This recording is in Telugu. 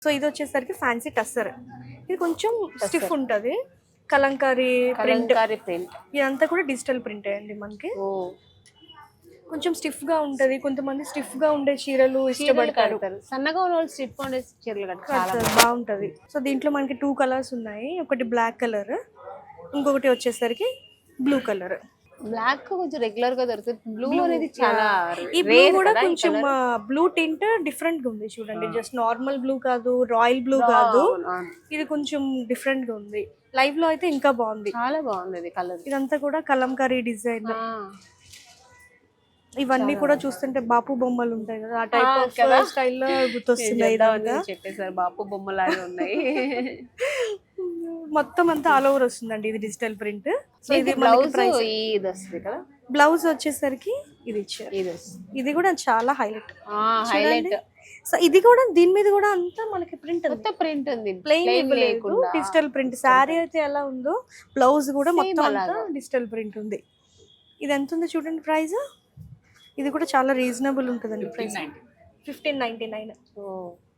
సో ఇది వచ్చేసరికి ఫ్యాన్సీ టస్సర్. ఇది కొంచెం స్టిఫ్ ఉంటుంది, కలంకారీ ప్రింట్. ఇదంతా కూడా డిజిటల్ ప్రింట్ అండి మనకి. కొంచెం స్టిఫ్ గా ఉంటది, కొంతమంది స్టిఫ్ గా ఉండే చీరలు ఇష్టపడతారు. సన్నగా ఉన్న వాళ్ళు స్టిఫ్ ఉండే చీరలు కడతారు, బాగుంటది. సో దీంట్లో మనకి 2 కలర్స్ ఉన్నాయి, ఒకటి బ్లాక్ కలర్, ఇంకొకటి వచ్చేసరికి బ్లూ కలర్. బ్లాక్ కొంచెం రెగ్యులర్ గా దొరుకుతుంది, బ్లూ అనేది చాలా. ఈ బ్లూ కూడా కొంచెం బ్లూ టింట్ డిఫరెంట్ గా ఉంది చూడండి, జస్ట్ నార్మల్ బ్లూ కాదు, రాయల్ బ్లూ కాదు, ఇది కొంచెం డిఫరెంట్ గా ఉంది. లైవ్ లో అయితే ఇంకా బాగుంది, చాలా బాగుంది కలర్. ఇదంతా కూడా కలంకారీ డిజైన్. ఇవన్నీ కూడా చూస్తుంటే బాపు బొమ్మలు ఉంటాయి కదా, ఆ టైప్ ఆఫ్ స్టైల్లో గుర్తొస్తున్నాయి. చెప్పేసారు, బాపు బొమ్మలాగా ఉన్నాయి. మొత్తం అంతా ఆల్ ఓవర్ వస్తుందండి, ఇది డిజిటల్ ప్రింట్. సో ఇది బ్లౌజ్ ఇది వస్తుంది కదా. బ్లౌజ్ వచ్చేసరికి ఇది ఇచ్చారు, ఇది కూడా చాలా హైలైట్. సో ఇది కూడా దీని మీద కూడా అంతా మనకి ప్రింట్ ఉంది, ప్లెయిన్ లేకుండా డిజిటల్ ప్రింట్. శారీ అయితే ఎలా ఉందో బ్లౌజ్ కూడా మొత్తం అంతా డిజిటల్ ప్రింట్ ఉంది. ఇది ఎంత ఉంది చూడండి ప్రైస్. ఇది కూడా చాలా రీజనబుల్ ఉంటుందండి ప్రైస్, 1599.